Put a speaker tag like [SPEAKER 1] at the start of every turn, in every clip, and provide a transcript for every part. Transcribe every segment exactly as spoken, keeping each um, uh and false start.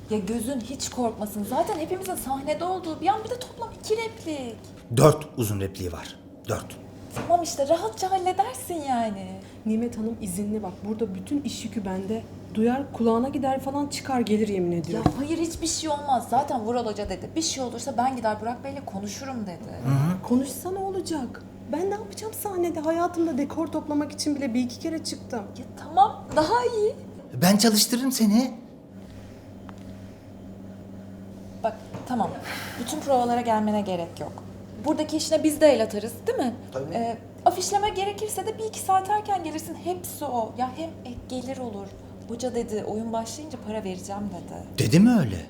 [SPEAKER 1] Ya gözün hiç korkmasın. Zaten hepimizin sahnede olduğu bir an, bir de toplam iki replik.
[SPEAKER 2] Dört uzun repliği var. Dört.
[SPEAKER 1] Tamam işte, rahatça halledersin yani.
[SPEAKER 3] Nimet Hanım izinli bak. Burada bütün iş yükü bende. Duyar kulağına gider falan çıkar gelir yemin
[SPEAKER 1] Ya
[SPEAKER 3] ediyorum.
[SPEAKER 1] hayır, hiçbir şey olmaz. Zaten Vural Hoca dedi. Bir şey olursa ben gider Burak Bey'le konuşurum dedi.
[SPEAKER 3] Konuşsa ne olacak? Ben ne yapacağım sahnede? Hayatımda dekor toplamak için bile bir iki kere çıktım.
[SPEAKER 1] Ya tamam, daha iyi.
[SPEAKER 2] Ben çalıştırırım seni.
[SPEAKER 1] Bak tamam, bütün provalara gelmene gerek yok. Buradaki işine biz de el atarız, değil mi?
[SPEAKER 2] Tabii.
[SPEAKER 1] Ee, afişleme gerekirse de bir iki saat erken gelirsin. Hepsi o. Ya hem ek gelir olur. Hoca dedi, oyun başlayınca para vereceğim dedi.
[SPEAKER 2] Dedi mi öyle?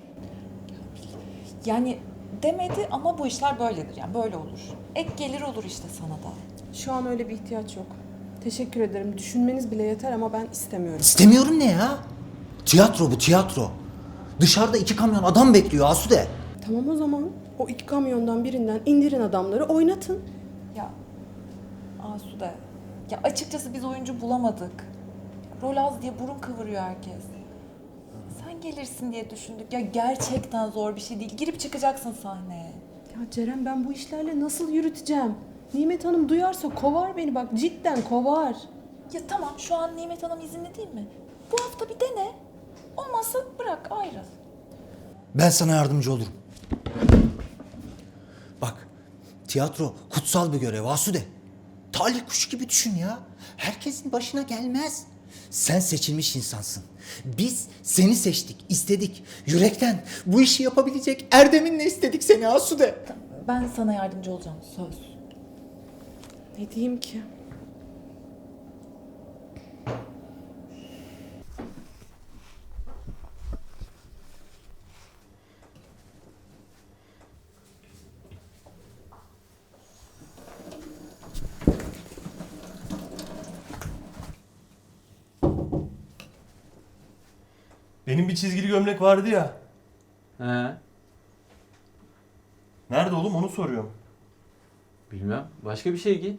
[SPEAKER 1] Yani demedi ama bu işler böyledir. Yani böyle olur. Ek gelir olur işte sana da.
[SPEAKER 3] Şu an öyle bir ihtiyaç yok. Teşekkür ederim. Düşünmeniz bile yeter ama ben istemiyorum.
[SPEAKER 2] İstemiyorum ne ya? Tiyatro bu, tiyatro. Dışarıda iki kamyon adam bekliyor Asude.
[SPEAKER 3] Tamam o zaman. O iki kamyondan birinden indirin adamları oynatın.
[SPEAKER 1] Ya Asude, ya açıkçası biz oyuncu bulamadık. Rol az diye burun kıvırıyor herkes. Sen gelirsin diye düşündük. Ya gerçekten zor bir şey değil. Girip çıkacaksın sahneye.
[SPEAKER 3] Ya Ceren ben bu işlerle nasıl yürüteceğim? Nimet Hanım duyarsa kovar beni bak cidden kovar.
[SPEAKER 1] Ya tamam, şu an Nimet Hanım izinli değil mi? Bu hafta bir dene. Olmazsa bırak, ayrıl.
[SPEAKER 2] Ben sana yardımcı olurum. Bak, tiyatro kutsal bir görev Asude. Talih kuşu gibi düşün ya. Herkesin başına gelmez. Sen seçilmiş insansın. Biz seni seçtik, istedik. Yürekten bu işi yapabilecek Erdem'inle istedik seni Asude.
[SPEAKER 1] Ben sana yardımcı olacağım, söz.
[SPEAKER 3] Ne diyeyim ki?
[SPEAKER 4] Benim bir çizgili gömlek vardı ya.
[SPEAKER 5] He,
[SPEAKER 4] Nerede oğlum, onu soruyorum.
[SPEAKER 5] bilmem. Başka bir şey giy.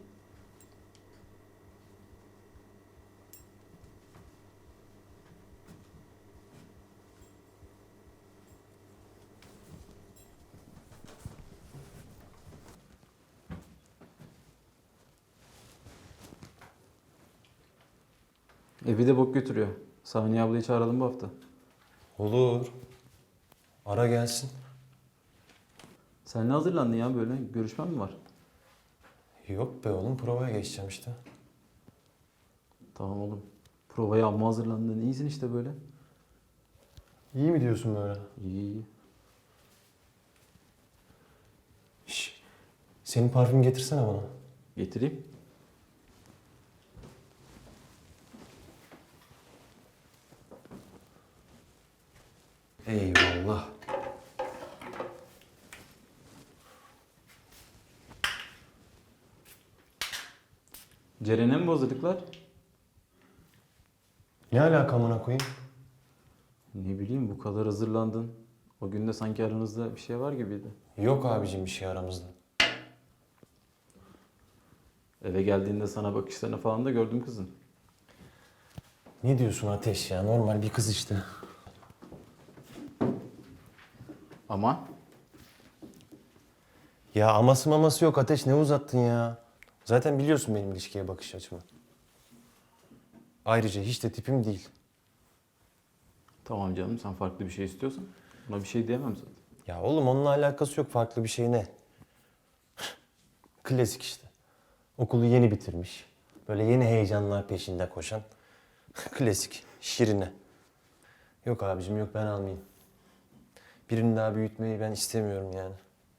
[SPEAKER 5] Evi de bok götürüyor. Saniye ablayı çağıralım bu hafta.
[SPEAKER 4] Olur. Ara gelsin.
[SPEAKER 5] Sen ne hazırlandın ya böyle? Görüşmen mi var?
[SPEAKER 4] Yok be oğlum, provaya geçeceğim işte.
[SPEAKER 5] Tamam oğlum. Provaya amma hazırlandın. İyisin işte böyle.
[SPEAKER 4] İyi mi diyorsun böyle?
[SPEAKER 5] İyi iyi.
[SPEAKER 4] Şş, senin parfüm getirsene bana.
[SPEAKER 5] Getireyim.
[SPEAKER 4] Eyvallah.
[SPEAKER 5] Ceren'e mi bu hazırlıklar?
[SPEAKER 4] Ne alaka amına koyayım?
[SPEAKER 5] Ne bileyim bu kadar hazırlandın. O gün de sanki aranızda bir şey var gibiydi.
[SPEAKER 4] Yok abicim bir şey aramızda.
[SPEAKER 5] Eve geldiğinde sana bakışlarını falan da gördüm kızın.
[SPEAKER 4] Ne diyorsun Ateş ya? Normal bir kız işte.
[SPEAKER 5] Ama
[SPEAKER 4] Ya aması maması yok Ateş, ne uzattın ya? Zaten biliyorsun benim ilişkiye bakış açımı. Ayrıca hiç de tipim değil.
[SPEAKER 5] tamam canım, sen farklı bir şey istiyorsan buna bir şey diyemem zaten.
[SPEAKER 4] Ya oğlum onunla alakası yok, farklı bir şey ne? Klasik işte. Okulu yeni bitirmiş. Böyle yeni heyecanlar peşinde koşan. Klasik. Şirine. Yok abicim yok, ben almayayım. Birini daha büyütmeyi ben istemiyorum yani.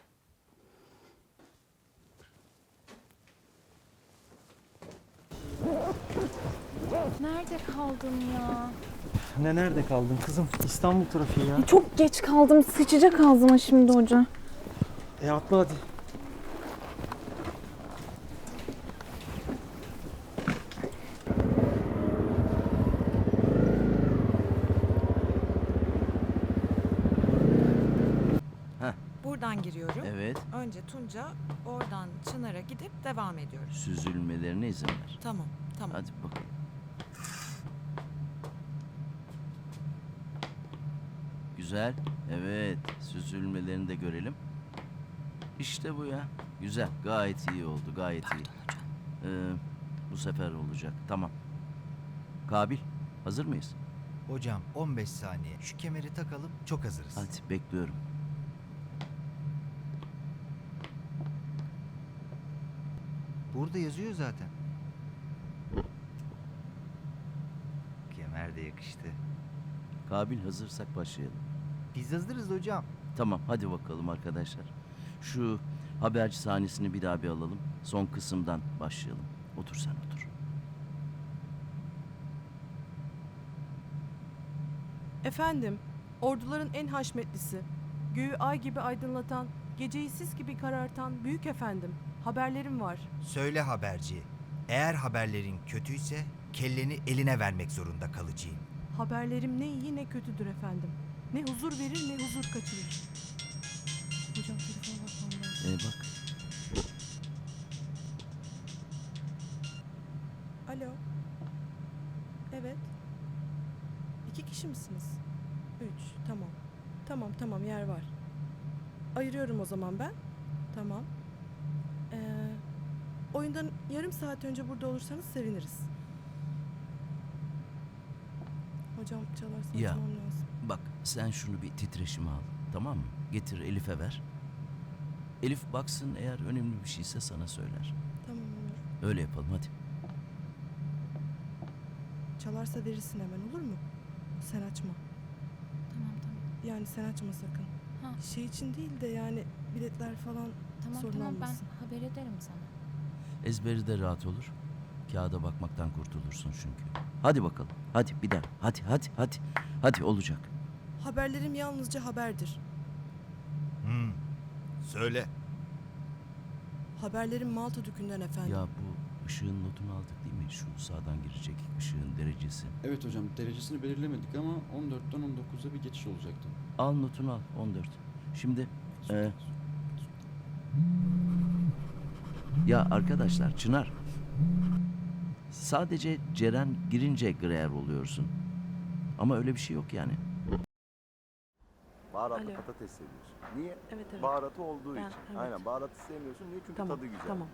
[SPEAKER 6] Nerede kaldın ya?
[SPEAKER 7] Ne nerede kaldın kızım? İstanbul trafiği ya.
[SPEAKER 6] Çok geç kaldım. Sıçacak ağzıma şimdi hoca.
[SPEAKER 7] E atla hadi.
[SPEAKER 8] Buradan giriyorum.
[SPEAKER 9] Evet,
[SPEAKER 8] Önce Tunca, oradan Çınar'a gidip devam ediyoruz.
[SPEAKER 9] süzülmelerine izin ver.
[SPEAKER 8] Tamam, tamam.
[SPEAKER 9] Hadi bakalım. Güzel. Evet. Süzülmelerini de görelim. İşte bu ya. Güzel. Gayet iyi oldu. Gayet iyi. Ee, bu sefer olacak. Tamam. Kabil. Hazır mıyız?
[SPEAKER 2] Hocam on beş saniye. Şu kemeri takalım, çok hazırız.
[SPEAKER 9] Hadi bekliyorum.
[SPEAKER 2] Burada yazıyor zaten. Kemer de yakıştı.
[SPEAKER 9] Kabil hazırsak başlayalım.
[SPEAKER 2] Biz hazırız hocam.
[SPEAKER 9] Tamam hadi bakalım arkadaşlar. Şu haberci sahnesini bir daha bir alalım. Son kısımdan başlayalım. Otur sen otur.
[SPEAKER 3] Efendim, orduların en haşmetlisi, göğü ay gibi aydınlatan, geceyi sis gibi karartan büyük efendim, haberlerim var.
[SPEAKER 2] Söyle haberci. Eğer haberlerin kötüyse kelleni eline vermek zorunda kalacağım.
[SPEAKER 3] Haberlerim ne iyi ne kötüdür efendim. Ne huzur verir ne huzur kaçırır. Hocam telefona bakmam lazım.
[SPEAKER 9] Ee, bak.
[SPEAKER 3] Alo. Evet. İki kişi misiniz? Üç. Tamam. Tamam tamam yer var. Ayırıyorum o zaman ben. Tamam. Ee, oyundan yarım saat önce burada olursanız seviniriz. Hocam çalarsa
[SPEAKER 9] Ya.
[SPEAKER 3] açmam lazım.
[SPEAKER 9] Bak sen şunu bir titreşime al. Tamam mı? Getir Elif'e ver. Elif baksın, eğer önemli bir şeyse sana söyler.
[SPEAKER 3] Tamam olur.
[SPEAKER 9] Öyle yapalım hadi.
[SPEAKER 3] Çalarsa verirsin hemen olur mu? Sen açma.
[SPEAKER 6] Tamam tamam.
[SPEAKER 3] Yani sen açma sakın.
[SPEAKER 6] Ha.
[SPEAKER 3] Şey için değil de yani biletler falan
[SPEAKER 6] Tamam
[SPEAKER 3] sorun
[SPEAKER 6] tamam ben
[SPEAKER 3] olmasın.
[SPEAKER 6] haber ederim sana.
[SPEAKER 9] Ezberi de rahat olur. Kağıda bakmaktan kurtulursun çünkü. Hadi bakalım. Hadi bir daha. Hadi hadi hadi. Hadi olacak.
[SPEAKER 3] Haberlerim yalnızca haberdir.
[SPEAKER 2] Hmm. Söyle.
[SPEAKER 3] Haberlerim Malta Dükü'nden efendim.
[SPEAKER 9] Ya bu ışığın notunu aldık değil mi? Şu sağdan girecek ışığın derecesi.
[SPEAKER 5] Evet hocam, derecesini belirlemedik ama on dörtten on dokuza bir geçiş olacaktı.
[SPEAKER 9] Al notunu al. on dört. Şimdi e, ya arkadaşlar Çınar, sadece Ceren girince greer oluyorsun. Ama öyle bir şey yok yani.
[SPEAKER 10] Baharatlı
[SPEAKER 3] Alo.
[SPEAKER 10] patates seviyorsun. Niye?
[SPEAKER 3] Evet evet.
[SPEAKER 10] Baharatı olduğu
[SPEAKER 3] Ben-
[SPEAKER 10] için.
[SPEAKER 3] evet.
[SPEAKER 10] Aynen, baharatı sevmiyorsun. Niye? Çünkü
[SPEAKER 3] Tamam
[SPEAKER 10] tadı güzel.
[SPEAKER 3] tamam.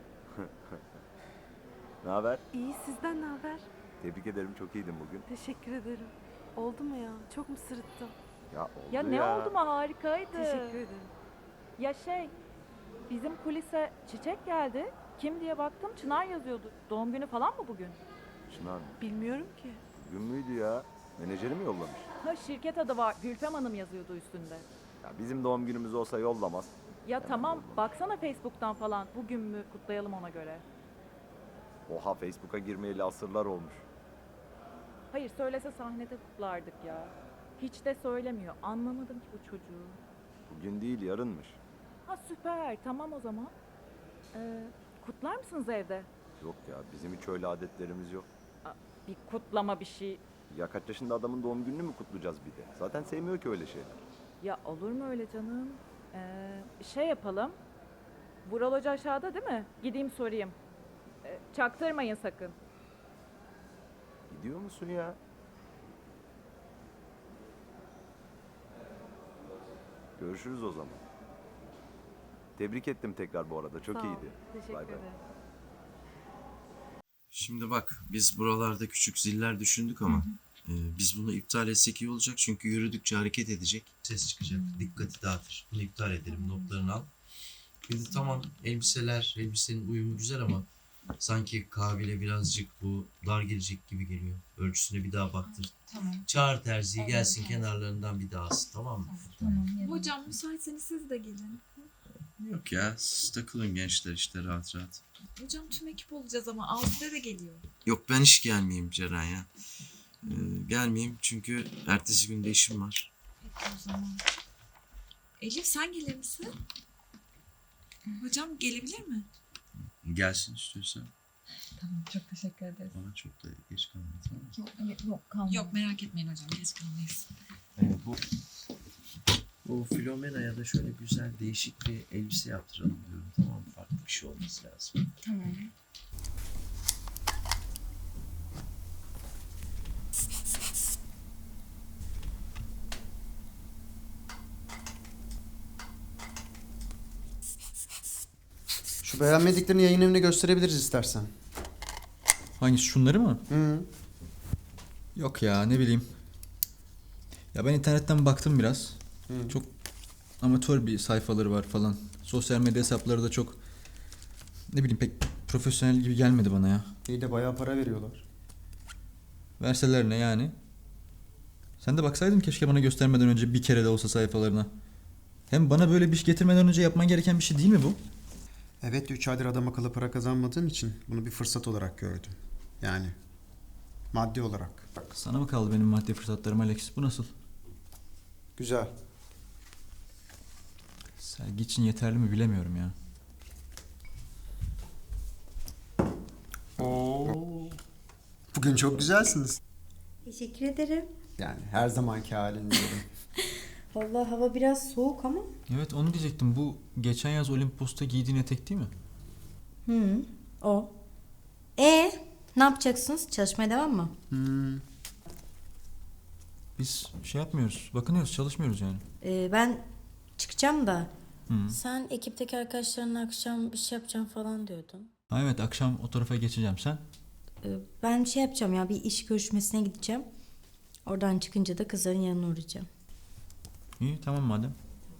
[SPEAKER 10] Ne haber?
[SPEAKER 3] İyi sizden ne haber?
[SPEAKER 10] Tebrik ederim, çok iyiydin bugün.
[SPEAKER 3] Teşekkür ederim. Oldu mu ya? Çok mu sırıttım?
[SPEAKER 10] Ya oldu
[SPEAKER 11] Ya ne oldu mu, harikaydı.
[SPEAKER 3] Teşekkür ederim.
[SPEAKER 11] Ya şey, bizim kulise çiçek geldi. Kim diye baktım, Çınar yazıyordu. Doğum günü falan mı bugün?
[SPEAKER 10] Çınar mı?
[SPEAKER 3] Bilmiyorum ki.
[SPEAKER 10] Gün müydü ya? Menajeri mi yollamış?
[SPEAKER 11] Ha, şirket adı var, Gülfem Hanım yazıyordu üstünde.
[SPEAKER 10] Ya bizim doğum günümüz olsa yollamaz.
[SPEAKER 11] Ya tamam, baksana Facebook'tan falan. Bugün mü kutlayalım ona göre.
[SPEAKER 10] Oha, Facebook'a girmeyeli asırlar olmuş.
[SPEAKER 11] Hayır, söylese sahnede kutlardık ya. Hiç de söylemiyor. Anlamadım ki bu çocuğu.
[SPEAKER 10] Bugün değil, yarınmış.
[SPEAKER 11] Ha süper, tamam o zaman. Ee, kutlar mısınız evde?
[SPEAKER 10] Yok ya, bizim hiç öyle adetlerimiz yok.
[SPEAKER 11] Aa, bir kutlama bir şey.
[SPEAKER 10] Ya kaç yaşında adamın doğum gününü mü kutlayacağız bir de? Zaten sevmiyor ki öyle şeyler.
[SPEAKER 11] Ya olur mu öyle canım? Ee, şey yapalım. Vural Hoca aşağıda değil mi? Gideyim sorayım. Ee, çaktırmayın sakın.
[SPEAKER 10] Gidiyor musun ya? Görüşürüz o zaman. Tebrik ettim tekrar bu arada. Çok
[SPEAKER 11] Sağ ol,
[SPEAKER 10] iyiydi.
[SPEAKER 11] Teşekkür
[SPEAKER 10] Bay bay.
[SPEAKER 11] ederim.
[SPEAKER 12] Şimdi bak, biz buralarda küçük ziller düşündük ama e, biz bunu iptal etsek iyi olacak çünkü yürüdükçe hareket edecek. Ses çıkacak, dikkati dağıtır. Bunu iptal edelim, notlarını al. Bir de tamam, elbiseler, elbisenin uyumu güzel ama sanki Kabil'e birazcık bu dar gelecek gibi geliyor. Ölçüsüne bir daha baktır.
[SPEAKER 6] Tamam.
[SPEAKER 12] Çağır terziyi gelsin, kenarlarından bir daha alsın, tamam mı?
[SPEAKER 6] Tamam. Hocam müsaitseniz siz de gelin.
[SPEAKER 12] Yok ya, siz takılın gençler işte rahat rahat.
[SPEAKER 6] Hocam tüm ekip olacağız ama Azide de geliyor.
[SPEAKER 12] Yok, ben hiç gelmeyeyim Ceren ya. Ee, gelmeyeyim çünkü ertesi günde işim var.
[SPEAKER 6] Peki o zaman. Elif sen gelir misin? Hocam gelebilir mi?
[SPEAKER 12] Gelsin istiyorsan.
[SPEAKER 6] Tamam çok teşekkür ederiz.
[SPEAKER 12] Bana çok da geç kalma, tamam mı?
[SPEAKER 6] Yok, yok kalma. Yok merak etmeyin hocam geç kalmayız.
[SPEAKER 12] Ee, bu bu Filomena'ya da şöyle güzel değişik bir elbise yaptıralım diyorum, tamam mı? Farklı bir şey olması lazım.
[SPEAKER 6] Tamam.
[SPEAKER 13] Beğenmediklerini yayın evine gösterebiliriz istersen.
[SPEAKER 14] Hangisi, şunları mı?
[SPEAKER 13] Hı.
[SPEAKER 14] Yok ya, ne bileyim. Ya ben internetten baktım biraz.
[SPEAKER 13] Hı.
[SPEAKER 14] Çok amatör bir sayfaları var falan. Sosyal medya hesapları da çok, ne bileyim, pek profesyonel gibi gelmedi bana ya.
[SPEAKER 13] İyi de bayağı para veriyorlar.
[SPEAKER 14] Verseler ne yani? Sen de baksaydın keşke bana göstermeden önce bir kere de olsa sayfalarına. Hem bana böyle bir iş getirmeden önce yapman gereken bir şey değil mi bu?
[SPEAKER 13] Evet, üç aydır adam akıllı para kazanmadığın için bunu bir fırsat olarak gördüm. Yani maddi olarak.
[SPEAKER 14] Sana mı kaldı benim maddi fırsatlarım Alex? Bu nasıl?
[SPEAKER 13] Güzel.
[SPEAKER 14] Sergi için yeterli mi bilemiyorum ya.
[SPEAKER 13] Oo. Bugün çok güzelsiniz.
[SPEAKER 15] Teşekkür ederim.
[SPEAKER 13] Yani her zamanki halin diyorum.
[SPEAKER 15] Vallahi hava biraz soğuk ama.
[SPEAKER 14] Evet, onu diyecektim. Bu geçen yaz Olimpos'ta giydiğin etek değil mi?
[SPEAKER 15] Hı, o. E ne yapacaksınız? Çalışmaya devam mı?
[SPEAKER 13] Hmm.
[SPEAKER 14] Biz şey yapmıyoruz. Bakınıyoruz, çalışmıyoruz yani.
[SPEAKER 15] Ee, ben çıkacağım da.
[SPEAKER 14] Hı.
[SPEAKER 15] Sen ekipteki arkadaşlarınla akşam bir şey yapacağım falan diyordun.
[SPEAKER 14] Ha evet, akşam o tarafa geçeceğim. Sen?
[SPEAKER 15] Ee, ben şey yapacağım ya, bir iş görüşmesine gideceğim. Oradan çıkınca da kızların yanına uğrayacağım.
[SPEAKER 14] İyi, tamam madem.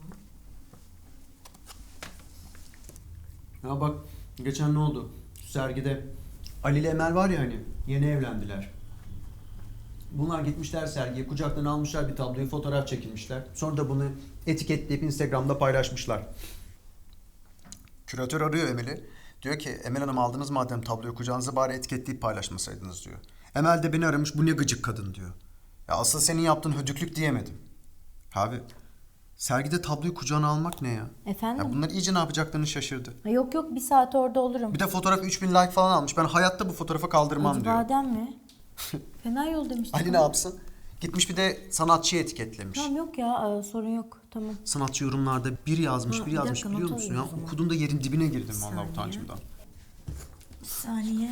[SPEAKER 13] Ya bak, geçen ne oldu? Sergide Ali ile Emel var ya hani, yeni evlendiler. Bunlar gitmişler sergiye, kucaktan almışlar bir tabloyu, fotoğraf çekilmişler. Sonra da bunu etiketleyip Instagram'da paylaşmışlar. Küratör arıyor Emel'i. Diyor ki, Emel Hanım aldınız madem tabloyu kucağınıza, bari etiketleyip paylaşmasaydınız diyor. Emel de beni aramış, bu ne gıcık kadın diyor. Ya asıl senin yaptığın hödüklük diyemedim. Abi, sergide tabloyu kucağına almak ne ya?
[SPEAKER 15] Efendim?
[SPEAKER 13] Ya bunlar iyice ne yapacaklarını şaşırdı.
[SPEAKER 15] Ha, yok yok, bir saat orada olurum.
[SPEAKER 13] Bir de fotoğraf üç bin like falan almış. Ben hayatta bu fotoğrafa kaldırmam
[SPEAKER 15] Acı
[SPEAKER 13] diyor.
[SPEAKER 15] badem mi? Fena yol demiştim.
[SPEAKER 13] Ali ne yapsın? Gitmiş bir de sanatçıyı etiketlemiş.
[SPEAKER 15] Tamam, yok ya, sorun yok, tamam.
[SPEAKER 13] Sanatçı yorumlarda bir yazmış,
[SPEAKER 15] Ha,
[SPEAKER 13] bir
[SPEAKER 15] bir
[SPEAKER 13] yazmış
[SPEAKER 15] dakika,
[SPEAKER 13] biliyor
[SPEAKER 15] not
[SPEAKER 13] musun ya?
[SPEAKER 15] alayım o zaman.
[SPEAKER 13] Okuduğumda yerin dibine girdim
[SPEAKER 15] Bir
[SPEAKER 13] vallahi
[SPEAKER 15] saniye.
[SPEAKER 13] utancımdan.
[SPEAKER 15] Bir saniye.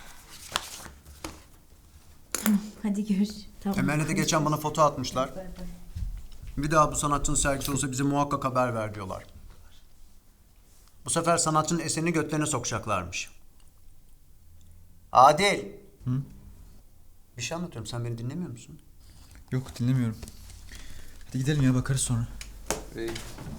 [SPEAKER 15] Hadi görüş. Tamam.
[SPEAKER 13] Emel'le de geçen bana foto atmışlar. Bir daha bu sanatçının sergisi olsa bize muhakkak haber ver diyorlar. Bu sefer sanatçının eserini götlerine sokacaklarmış. Adil.
[SPEAKER 14] Hı?
[SPEAKER 13] Bir şey anlatıyorum, sen beni dinlemiyor musun?
[SPEAKER 14] Yok, dinlemiyorum. Hadi gidelim ya, bakarız sonra.
[SPEAKER 13] İyi.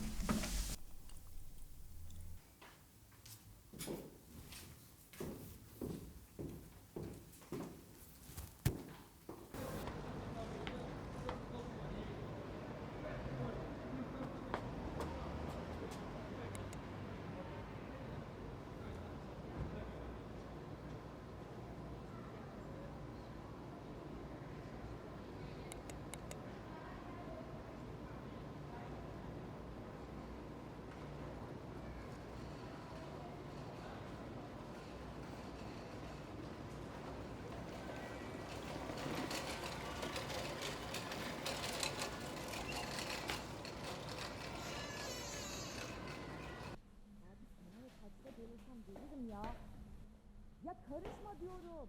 [SPEAKER 11] Ya karışma diyorum.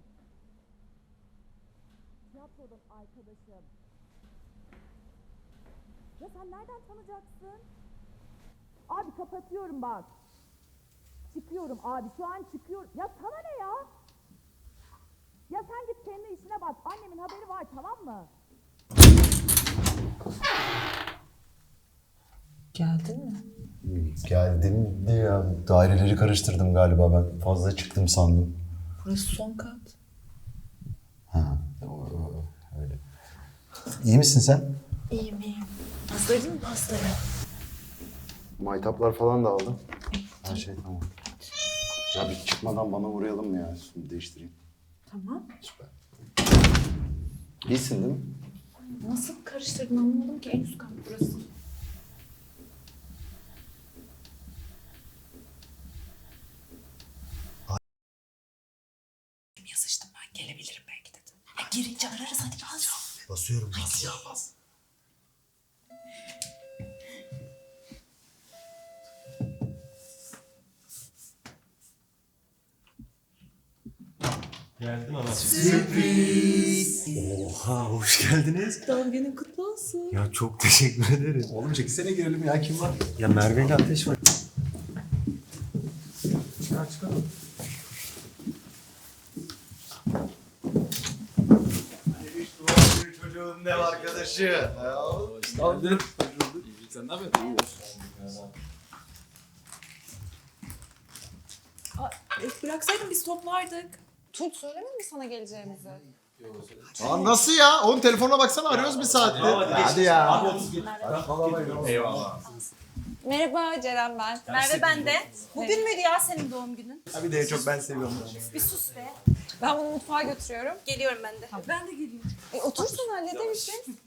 [SPEAKER 11] Tiyatrodan arkadaşım. Ya sen nereden tanıyacaksın? Abi kapatıyorum bak. Çıkıyorum abi, şu an çıkıyorum. Ya sana ne ya? Ya sen git kendi işine bak. Annemin haberi var, tamam mı?
[SPEAKER 1] Geldin mi?
[SPEAKER 16] Geldim diye ya. Daireleri karıştırdım galiba ben. Fazla çıktım sandım.
[SPEAKER 1] Burası son kat.
[SPEAKER 16] Ha, o- o- öyle. İyi misin sen?
[SPEAKER 1] İyiyim iyiyim. Hazırladın mı pastayı?
[SPEAKER 16] Maytaplar falan da aldım. Her şey tamam. Ya bir çıkmadan bana uğrayalım mı ya? Şimdi değiştireyim.
[SPEAKER 1] Tamam.
[SPEAKER 16] Süper. İyisin değil mi?
[SPEAKER 1] Nasıl karıştırdın anlamadım ki, en üst kat burası. Yazıştım ben, gelebilirim belki dedim. Ya girince ararız, hadi bas.
[SPEAKER 16] Basıyorum bas ya bas.
[SPEAKER 4] Geldim ama.
[SPEAKER 16] Sürpriz.
[SPEAKER 4] Oha, hoş geldiniz.
[SPEAKER 1] Doğum günün kutlu olsun.
[SPEAKER 4] Ya çok teşekkür ederim.
[SPEAKER 16] Oğlum çekilsene girelim ya, kim var?
[SPEAKER 4] Ya Merve ile Ateş var.
[SPEAKER 5] hadi çıkalım.
[SPEAKER 10] Çocuğun ne arkadaşı?
[SPEAKER 5] Geldin. Sen ne yapıyorsun?
[SPEAKER 6] Aa, e, bıraksaydın biz toplardık. Tunç söylemedi mi sana geleceğimizi?
[SPEAKER 10] Aa, nasıl ya? Oğlum telefonuna baksana arıyoruz bir saattir. Hadi ya.
[SPEAKER 5] Eyvallah.
[SPEAKER 6] Merhaba Ceren ben. Merve ben de. Bugün müydü ya senin doğum günün?
[SPEAKER 10] Abi de çok ben seviyorum.
[SPEAKER 6] Bir sus be. Ben bunu mutfağa götürüyorum. Geliyorum ben de. Ben de geliyorum. E, otursun hallederiz.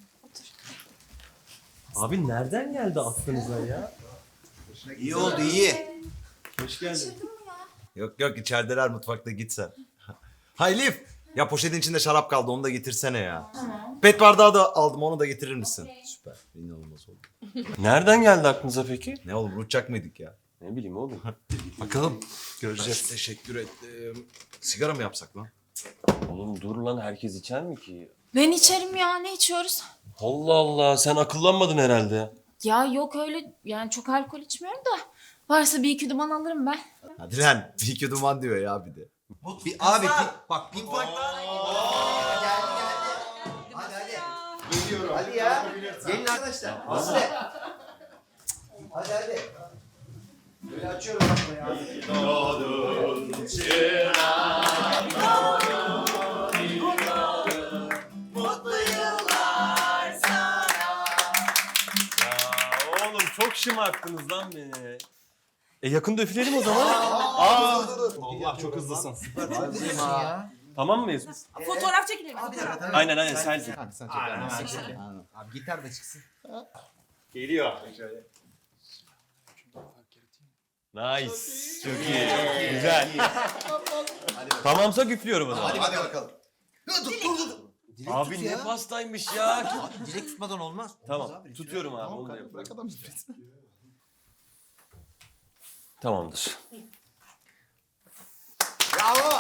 [SPEAKER 4] Abi nereden geldi aklınıza ya?
[SPEAKER 10] İyi oldu iyi.
[SPEAKER 4] Hoş geldin.
[SPEAKER 10] Yok yok içerideler mutfakta git sen. Ha Elif. Ya poşetin içinde şarap kaldı onu da getirsene ya.
[SPEAKER 6] Tamam.
[SPEAKER 10] Pet bardağı da aldım onu da getirir misin? Süper. İnanılmaz oldu.
[SPEAKER 4] Nereden geldi aklınıza peki?
[SPEAKER 10] Ne oğlum uçacak mıydık ya?
[SPEAKER 4] Ne bileyim oğlum.
[SPEAKER 10] Bakalım. Göreceğiz. Teşekkür ettim. Sigara mı yapsak lan?
[SPEAKER 4] Oğlum dur lan, herkes içer mi ki?
[SPEAKER 11] Ben içerim ya, ne içiyoruz?
[SPEAKER 4] Allah Allah, sen akıllanmadın herhalde.
[SPEAKER 11] Ya yok öyle, yani çok alkol içmiyorum da. Varsa bir iki duman alırım ben.
[SPEAKER 10] Hadi lan. Bir iki duman diyor ya bir de.
[SPEAKER 2] Bir, abi pi- bak pinpoint. Hadi hadi. Geliyorum. Hadi ya. Gelin arkadaşlar. Nasıl? Hadi hadi. Böyle açıyorum bak ya.
[SPEAKER 4] Mutlu yıllar sana. Ya oğlum çok şımarttınız lan beni. E yakında üfleyelim o zaman. Aa.
[SPEAKER 10] Allah çok hızlısın.
[SPEAKER 2] ya.
[SPEAKER 4] Tamam mıyız?
[SPEAKER 6] Fotoğraf çekilelim.
[SPEAKER 4] Aynen aynen selfie.
[SPEAKER 2] Hadi sen çek. Aynen, sen çek. Abi gitar da çıksın.
[SPEAKER 4] Geliyor. Nice. Çok iyi. Güzel. Tamamsa üflüyorum o zaman.
[SPEAKER 2] Hadi hadi bakalım. Dur dur dur. Dilek
[SPEAKER 4] Abi
[SPEAKER 2] tut
[SPEAKER 4] ne
[SPEAKER 2] ya.
[SPEAKER 4] pastaymış ya.
[SPEAKER 2] Dilek tutmadan olmaz.
[SPEAKER 4] Tamam.
[SPEAKER 2] Olmaz abi,
[SPEAKER 4] Tutuyorum abi.
[SPEAKER 10] Tamam
[SPEAKER 4] Onu da
[SPEAKER 10] kanka
[SPEAKER 4] yapalım.
[SPEAKER 10] bırak adam üflesin.
[SPEAKER 4] Tamamdır.
[SPEAKER 10] Bravo.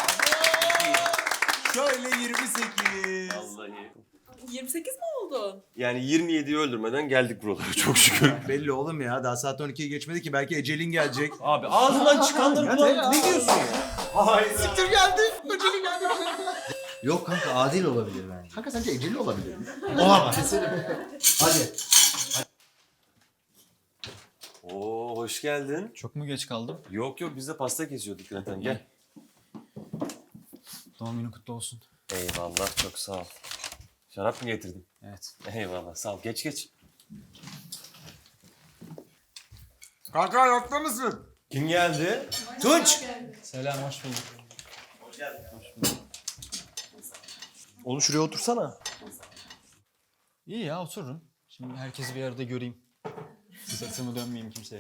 [SPEAKER 10] Şöyle yirmi sekiz.
[SPEAKER 4] Vallahi.
[SPEAKER 6] yirmi sekiz mi oldun?
[SPEAKER 4] Yani yirmi yediyi öldürmeden geldik buralara çok şükür.
[SPEAKER 10] Belli oğlum ya. Daha saat on ikiyi geçmedi ki. Belki ecelin gelecek.
[SPEAKER 4] Abi ağzından çıkanları kulağına ne diyorsun ya?
[SPEAKER 10] Hayır. Siktir geldi. Ecelin geldi.
[SPEAKER 2] Yok kanka adil olabilir bence.
[SPEAKER 10] Kanka sence eceli olabilir mi?
[SPEAKER 2] Olamaz. Hadi.
[SPEAKER 4] Oo hoş geldin.
[SPEAKER 14] Çok mu geç kaldım?
[SPEAKER 4] Yok yok biz de pasta kesiyorduk zaten gel.
[SPEAKER 14] Doğum günün kutlu olsun.
[SPEAKER 4] Eyvallah çok sağ ol. Şarap mı getirdin?
[SPEAKER 14] Evet.
[SPEAKER 4] Eyvallah sağ ol. Geç geç.
[SPEAKER 10] Kanka hayatta mısın?
[SPEAKER 4] Kim geldi?
[SPEAKER 10] Tunç.
[SPEAKER 14] Selam, hoş bulduk.
[SPEAKER 4] Oğlum şuraya otursana.
[SPEAKER 14] İyi ya, otururum. Şimdi herkesi bir arada göreyim. Sırtımı dönmeyeyim kimseye.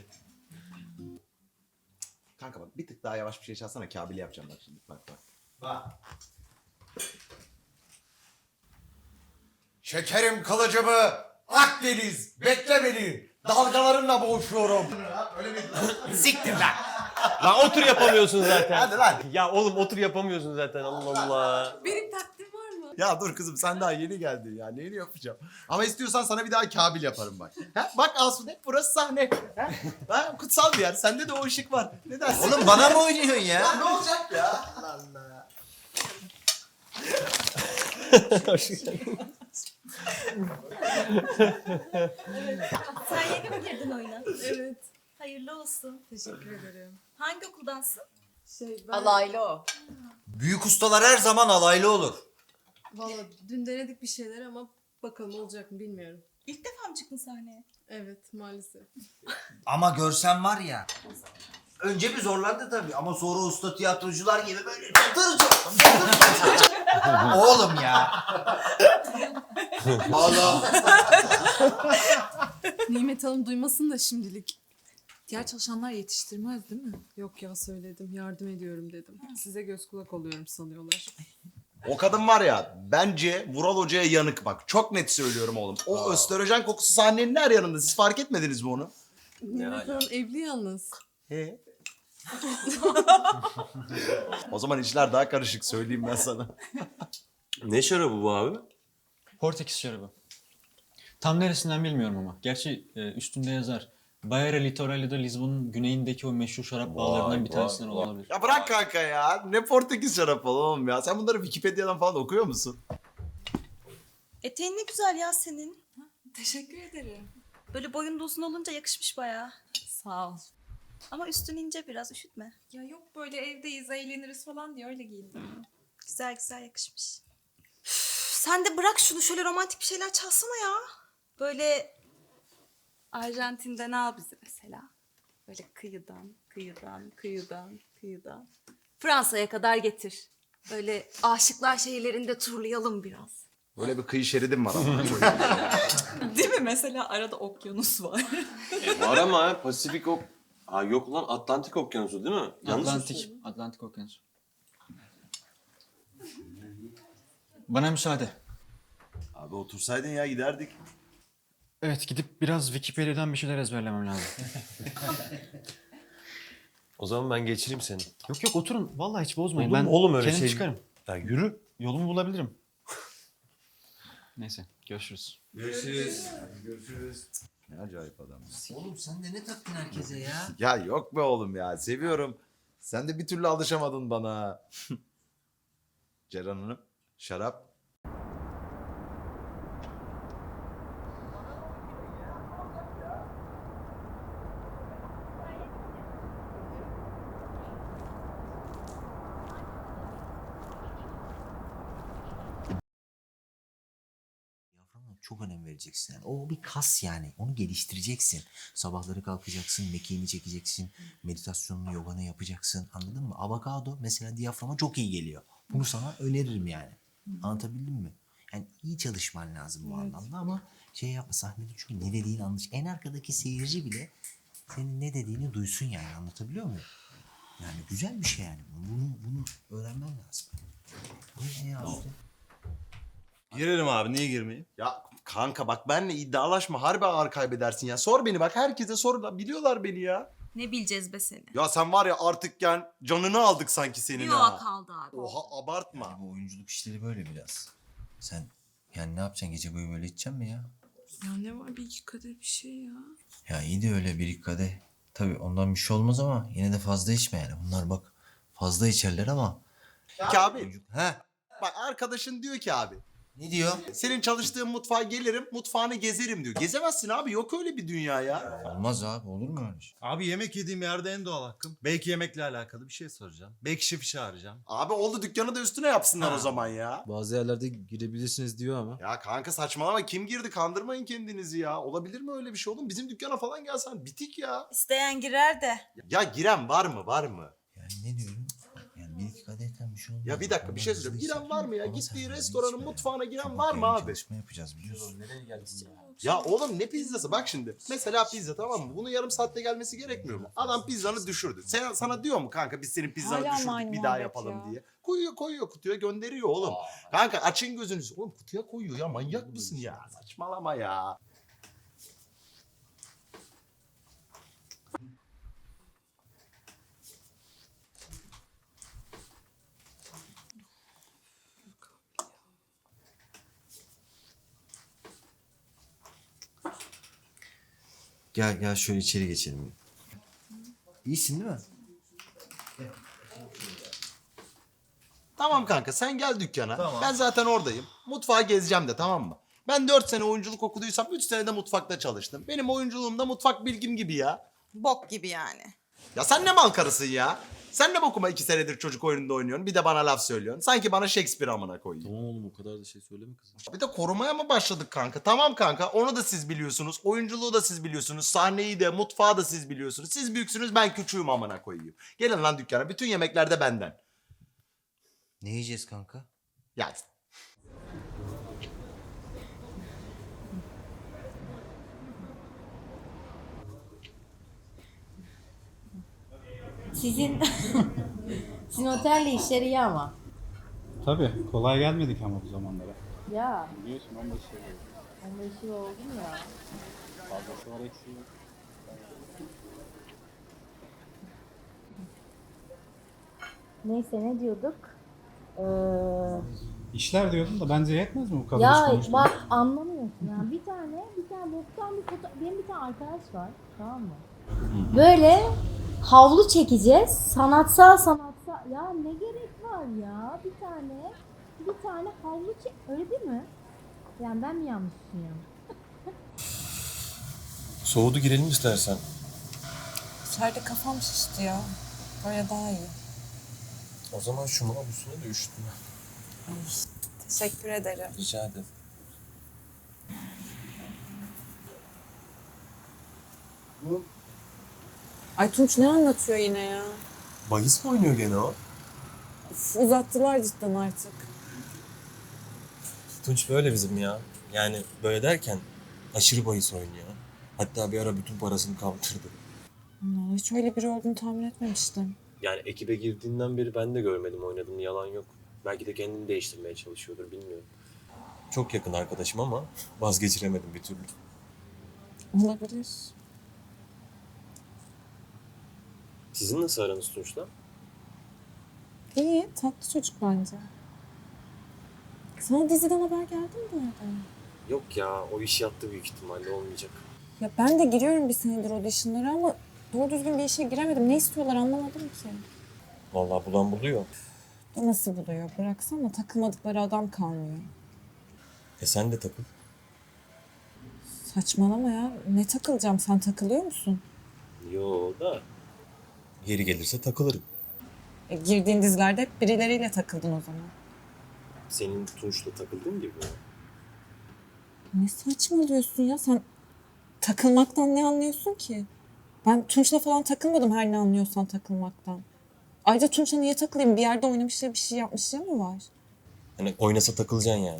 [SPEAKER 10] Kanka bak bir tık daha yavaş bir şey çalsana. Kabili yapacağım bak şimdi. Bak bak. Bak. Şekerim kılıcımı Akdeniz bekle beni. Dalgalarımla boğuşuyorum. Öyle mi? Siktir lan.
[SPEAKER 4] Lan otur yapamıyorsun zaten.
[SPEAKER 10] Hadi lan.
[SPEAKER 4] Ya oğlum otur yapamıyorsun zaten Allah Allah.
[SPEAKER 6] Benim takdim var mı?
[SPEAKER 10] Ya dur kızım sen daha yeni geldin ya. Neyini yapacağım? Ama istiyorsan sana bir daha kabil yaparım bak. Ha? Bak Asude burası sahne. Ha? Ha? Kutsal bir yer. Sende de o ışık var. Ne dersin?
[SPEAKER 2] Oğlum bana mı oynuyorsun ya?
[SPEAKER 10] Ya ne olacak ya? Allah Allah.
[SPEAKER 11] Sen yeni mi girdin oyuna?
[SPEAKER 6] Evet.
[SPEAKER 11] Hayırlı olsun.
[SPEAKER 6] Teşekkür ederim.
[SPEAKER 11] Hangi okuldansın?
[SPEAKER 6] Şey ben...
[SPEAKER 11] Alaylı o.
[SPEAKER 2] Büyük ustalar her zaman alaylı olur.
[SPEAKER 3] Valla dün denedik bir şeyler ama bakalım olacak mı bilmiyorum.
[SPEAKER 6] İlk defa mı çıktın sahneye?
[SPEAKER 3] Evet maalesef.
[SPEAKER 2] Ama görsen var ya. Önce bir zorlandı tabii ama sonra usta tiyatrocular gibi böyle çatır çatır çatır çatır. Oğlum ya. Allah.
[SPEAKER 3] Nimet Hanım duymasın da şimdilik.
[SPEAKER 6] Diğer çalışanlar yetiştirmez değil mi?
[SPEAKER 3] Yok ya söyledim yardım ediyorum dedim. Size göz kulak oluyorum sanıyorlar.
[SPEAKER 10] O kadın var ya bence Vural Hoca'ya yanık bak. Çok net söylüyorum oğlum. O östrojen kokusu sahnenin her yanında. Siz fark etmediniz mi onu?
[SPEAKER 3] Nimet Hanım evli yalnız.
[SPEAKER 10] He. O zaman işler daha karışık söyleyeyim ben sana.
[SPEAKER 4] Ne şarabı bu abi?
[SPEAKER 14] Portekiz şarabı. Tam neresinden bilmiyorum ama. Gerçi e, üstünde yazar.
[SPEAKER 7] Bayer Litorali'de Lizbon'un güneyindeki o meşhur şarap bağlarından bir tanesinden olabilir.
[SPEAKER 10] Ya bırak kanka ya. Ne Portekiz şarap oğlum ya. Sen bunları Wikipedia'dan falan okuyor musun?
[SPEAKER 6] Eteğin ne güzel ya senin.
[SPEAKER 1] Teşekkür ederim.
[SPEAKER 6] Böyle boyun da uzun olunca yakışmış bayağı.
[SPEAKER 1] Sağ ol.
[SPEAKER 6] Ama üstün ince biraz, üşütme.
[SPEAKER 1] Ya yok böyle evdeyiz, eğleniriz falan diye öyle giyindim.
[SPEAKER 6] Güzel güzel yakışmış. Üf, sen de bırak şunu, şöyle romantik bir şeyler çalsana ya. Böyle
[SPEAKER 1] Arjantin'den al bizi mesela. Böyle kıyıdan, kıyıdan, kıyıdan, kıyıdan. Fransa'ya kadar getir.
[SPEAKER 6] böyle aşıklar şehirlerinde turlayalım biraz.
[SPEAKER 10] Böyle bir kıyı şeridim var ama.
[SPEAKER 1] Değil mi? Mesela arada okyanus var.
[SPEAKER 4] Var ama ha, Pasifik ok... Ha yok lan, Atlantik Okyanusu değil mi? Yanlış mı
[SPEAKER 7] Atlantik,
[SPEAKER 4] söylüyorum?
[SPEAKER 7] Atlantik Okyanusu. Bana müsaade.
[SPEAKER 12] Abi otursaydın ya giderdik.
[SPEAKER 7] Evet, gidip biraz Wikipedia'dan bir şeyler ezberlemem lazım.
[SPEAKER 4] O zaman ben geçireyim seni.
[SPEAKER 7] Yok yok, oturun. Vallahi hiç bozmayın.
[SPEAKER 4] Olur
[SPEAKER 7] Ben
[SPEAKER 4] mu oğlum öyle
[SPEAKER 7] kendim
[SPEAKER 4] şey?
[SPEAKER 7] çıkarım.
[SPEAKER 4] Ya yürü.
[SPEAKER 7] Yolumu bulabilirim. Neyse, görüşürüz.
[SPEAKER 12] Görüşürüz. Görüşürüz. Ne acayip adamsın.
[SPEAKER 2] Oğlum sen de ne taktın herkese ya?
[SPEAKER 10] Ya yok be oğlum ya. Seviyorum. Sen de bir türlü alışamadın bana. Ceren Hanım, şarap.
[SPEAKER 2] Diyaframa çok önem vereceksin. Yani. O bir kas yani. Onu geliştireceksin. Sabahları kalkacaksın, mekiğini çekeceksin, meditasyonunu, yoganı yapacaksın. Anladın mı? Avokado mesela diyaframa çok iyi geliyor. Bunu sana öneririm yani. Anlatabildim mi? Yani iyi çalışman lazım bu anlamda ama şey yapma, sahnede çünkü ne dediğini anlaş. En arkadaki seyirci bile senin ne dediğini duysun yani, anlatabiliyor muyum? Yani güzel bir şey yani. Bunu bunu öğrenmen lazım. Bu ne ya işte?
[SPEAKER 12] Girerim abi, niye girmeyeyim?
[SPEAKER 10] Ya kanka bak benle iddialaşma, harbi ağır kaybedersin ya. Sor beni bak, herkese sor, biliyorlar beni ya.
[SPEAKER 6] Ne bileceğiz be seni.
[SPEAKER 10] Ya sen var ya artık yani canını aldık sanki senin
[SPEAKER 6] Yok
[SPEAKER 10] ha.
[SPEAKER 6] kaldı abi.
[SPEAKER 10] Oha abartma.
[SPEAKER 2] Bu oyunculuk işleri böyle biraz. Sen yani ne yapacaksın, gece boyu böyle içeceksin mi ya?
[SPEAKER 1] Ya ne var, bir iki kadeh bir şey ya.
[SPEAKER 2] Ya iyi de öyle bir iki kadeh. Tabii ondan bir şey olmaz ama yine de fazla içme yani. Bunlar bak fazla içerler ama.
[SPEAKER 10] Ki abi
[SPEAKER 2] He?
[SPEAKER 10] bak arkadaşın diyor ki abi.
[SPEAKER 2] Ne diyor?
[SPEAKER 10] Senin çalıştığın mutfağa gelirim, mutfağını gezerim diyor. Gezemezsin abi, yok öyle bir dünya ya.
[SPEAKER 2] Olmaz abi, olur mu öyle şey?
[SPEAKER 12] Abi yemek yediğim yerde en doğal hakkım. Belki yemekle alakalı bir şey soracağım. Belki şefi çağıracağım.
[SPEAKER 10] Abi oldu, dükkanı da üstüne yapsınlar o zaman ya.
[SPEAKER 5] Bazı yerlerde girebilirsiniz diyor ama.
[SPEAKER 10] Ya kanka saçmalama, kim girdi, kandırmayın kendinizi ya. Olabilir mi öyle bir şey oğlum? Bizim dükkana falan gelsen bitik ya.
[SPEAKER 6] İsteyen girer de.
[SPEAKER 10] Ya giren var mı, var mı?
[SPEAKER 2] Yani ne diyorum? Yani bir iki kadehten bir şey olmaz.
[SPEAKER 10] Ya bir dakika bir şey söyleyeceğim. Giren var mı ya? Gittiği restoranın mutfağına giren var mı abi?
[SPEAKER 2] Çalışma yapacağız biliyorsun.
[SPEAKER 5] Nereye geldin ya?
[SPEAKER 10] Ya oğlum ne pizzası? Bak şimdi. Mesela pizza, tamam mı? Bunun yarım saatte gelmesi gerekmiyor mu? Adam pizzanı düşürdü. Sen, sana diyor mu kanka biz senin pizzanı
[SPEAKER 1] Hala
[SPEAKER 10] düşürdük
[SPEAKER 1] aynı
[SPEAKER 10] bir daha
[SPEAKER 1] muhabbet
[SPEAKER 10] yapalım
[SPEAKER 1] ya.
[SPEAKER 10] diye. Koyuyor koyuyor kutuya, gönderiyor oğlum. Kanka açın gözünüzü. Oğlum kutuya koyuyor ya, manyak mısın ya? Saçmalama ya.
[SPEAKER 2] Gel gel şöyle içeri geçelim. İyisin değil mi?
[SPEAKER 10] Tamam kanka sen gel dükkana.
[SPEAKER 2] Tamam.
[SPEAKER 10] Ben zaten oradayım. Mutfağı gezeceğim de, tamam mı? Ben dört sene oyunculuk okuduysam üç sene de mutfakta çalıştım. Benim oyunculuğum da mutfak bilgim gibi ya.
[SPEAKER 6] Bok gibi yani.
[SPEAKER 10] Ya sen ne mal karısın ya? Sen ne bokuma iki senedir çocuk oyununda oynuyorsun, bir de bana laf söylüyorsun. Sanki bana Shakespeare amına koyuyor.
[SPEAKER 5] Tamam oğlum, o kadar da şey söyleme kızım.
[SPEAKER 10] Bir de korumaya mı başladık kanka? Tamam kanka, onu da siz biliyorsunuz. Oyunculuğu da siz biliyorsunuz. Sahneyi de, mutfağı da siz biliyorsunuz. Siz büyüksünüz, ben küçüğüm amına koyayım. Gelin lan dükkana, bütün yemekler de benden.
[SPEAKER 2] Ne yiyeceğiz kanka?
[SPEAKER 10] Ya
[SPEAKER 15] Sizin sizin otelle işleri iyi ama.
[SPEAKER 5] Tabii, kolay gelmedik ama bu zamanlara.
[SPEAKER 15] Ya.
[SPEAKER 5] Biliyorsun on beş yıl oldu.
[SPEAKER 15] on beş yıl oldu mu ya?
[SPEAKER 5] Fazlası var, eksiği yok.
[SPEAKER 15] Neyse ne diyorduk? Ee,
[SPEAKER 17] İşler diyordum da bence yetmez mi bu kadar iş
[SPEAKER 15] Ya
[SPEAKER 17] konuşmak?
[SPEAKER 15] bak anlamıyorsun ya. Bir tane, bir tane boktan bir foto... Benim bir tane arkadaş var, tamam mı? Böyle havlu çekeceğiz. Sanatsal sanatsal. Ya ne gerek var ya? Bir tane, bir tane havlu çek... Öyle değil mi? Yani ben mi yanlış düşünüyorum?
[SPEAKER 4] Soğudu, girelim istersen.
[SPEAKER 1] İçeride kafam şişti ya. Böyle daha iyi.
[SPEAKER 4] O zaman şu mavusuna da üşütme.
[SPEAKER 1] Teşekkür ederim.
[SPEAKER 4] Rica ederim.
[SPEAKER 8] Ay Tunç ne anlatıyor yine ya?
[SPEAKER 4] Bahis mi oynuyor gene o?
[SPEAKER 8] Uf, uzattılar cidden artık.
[SPEAKER 4] Tunç böyle bizim ya. Yani böyle derken aşırı bahis oynuyor. Hatta bir ara bütün parasını kaptırdı.
[SPEAKER 8] Allah, hiç öyle biri olduğunu tahmin etmemiştim.
[SPEAKER 4] Yani ekibe girdiğinden beri ben de görmedim oynadığını, yalan yok. Belki de kendini değiştirmeye çalışıyordur, bilmiyorum. Çok yakın arkadaşım ama vazgeçiremedim bir türlü.
[SPEAKER 8] Olabilir.
[SPEAKER 4] Sizin nasıl aranız Tunç'la?
[SPEAKER 8] İyi, tatlı çocuk bence. Sana diziden haber geldi mi bu arada?
[SPEAKER 4] Yok ya, o iş yattı büyük ihtimalle, olmayacak.
[SPEAKER 8] Ya ben de giriyorum bir senedir auditionlara ama doğru düzgün bir işe giremedim. Ne istiyorlar anlamadım ki.
[SPEAKER 4] Vallahi bulan buluyor.
[SPEAKER 8] Nasıl buluyor? Bıraksana takılmadıkları adam kalmıyor.
[SPEAKER 4] E sen de takıl.
[SPEAKER 8] Saçmalama ya. Ne takılacağım? Sen takılıyor musun?
[SPEAKER 4] Yo da. Yeri gelirse takılırım.
[SPEAKER 8] E, girdiğin dizilerde hep birileriyle takıldın o zaman.
[SPEAKER 4] Senin Tunç'la takıldığın gibi mi?
[SPEAKER 8] Ne saçmalıyorsun ya? Sen takılmaktan ne anlıyorsun ki? Ben Tunç'la falan takılmadım her ne anlıyorsan takılmaktan. Ayrıca Tunç'la niye takılayım? Bir yerde oynamışlar, bir şey yapmışlar mı var?
[SPEAKER 4] Hani oynasa takılacaksın yani.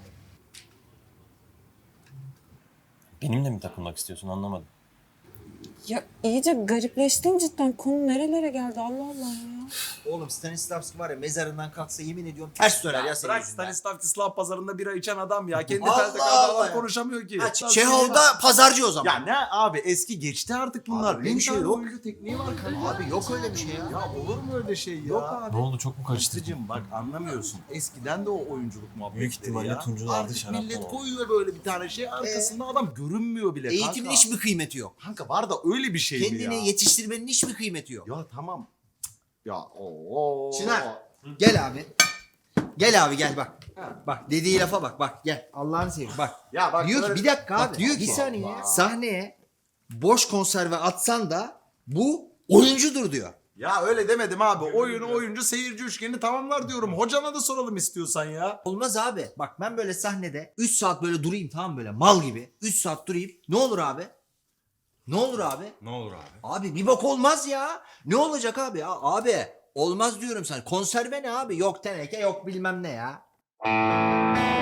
[SPEAKER 4] Benimle mi takılmak istiyorsun, anlamadım.
[SPEAKER 8] Ya iyice garipleştin cidden. Konu nerelere geldi Allah Allah ya.
[SPEAKER 2] Oğlum Stanislavski var ya mezarından kalksa yemin ediyorum ters döner ya senin
[SPEAKER 10] Bırak
[SPEAKER 2] yüzünden.
[SPEAKER 10] Stanislavski Slav pazarında bira içen adam ya. Kendi
[SPEAKER 2] Allah
[SPEAKER 10] telde
[SPEAKER 2] Allah
[SPEAKER 10] adam
[SPEAKER 2] ya.
[SPEAKER 10] konuşamıyor ki.
[SPEAKER 2] Ha, Çehov'da pazarcı o zaman.
[SPEAKER 10] Ya ne abi, eski geçti artık bunlar.
[SPEAKER 2] Abi öyle bir şey
[SPEAKER 10] tane
[SPEAKER 2] yok.
[SPEAKER 10] oyuncu tekniği var kanka.
[SPEAKER 2] Abi yok öyle bir şey ya.
[SPEAKER 10] Ya olur mu öyle şey ya?
[SPEAKER 2] Yok abi.
[SPEAKER 4] Ne oldu, çok mu karıştırdın?
[SPEAKER 10] Aslıcığım bak anlamıyorsun. Eskiden de o oyunculuk muhabbetleri
[SPEAKER 4] Büyük ihtimalle
[SPEAKER 10] ya.
[SPEAKER 4] Tunç'un aldığı
[SPEAKER 10] Artık
[SPEAKER 4] şaraptan
[SPEAKER 10] millet
[SPEAKER 4] oldu.
[SPEAKER 10] koyuyor böyle bir tane şey, arkasında adam görünmüyor bile kanka.
[SPEAKER 2] Eğitimin hiçbir kıymeti yok.
[SPEAKER 10] Kanka var da öyle bir şey mi ya?
[SPEAKER 2] Kendini yetiştirmenin hiçbir kıymeti yok.
[SPEAKER 10] Ya tamam. Ya o.
[SPEAKER 2] Çınar gel abi. Gel abi gel bak. Bak dediği lafa bak bak gel. Allah'ını seveyim bak.
[SPEAKER 10] Ya bak
[SPEAKER 2] diyor ki
[SPEAKER 10] böyle-
[SPEAKER 2] bir dakika
[SPEAKER 10] Bak,
[SPEAKER 2] abi. Diyor
[SPEAKER 10] Allah
[SPEAKER 2] ki saniye
[SPEAKER 10] Allah.
[SPEAKER 2] sahneye boş konserve atsan da bu oyuncudur diyor.
[SPEAKER 10] Ya öyle demedim abi. Oyunu oyuncu seyirci üçgeni tamamlar diyorum. Hocana da soralım istiyorsan ya.
[SPEAKER 2] Olmaz abi. Bak ben böyle sahnede üç saat böyle durayım tamam mı, böyle mal gibi. üç saat durayım. Ne olur abi? Ne olur abi?
[SPEAKER 4] Ne olur abi?
[SPEAKER 2] Abi bir bok olmaz ya. Ne olacak abi ya? Abi olmaz diyorum sana. Konserve ne abi? Yok teneke yok bilmem ne ya.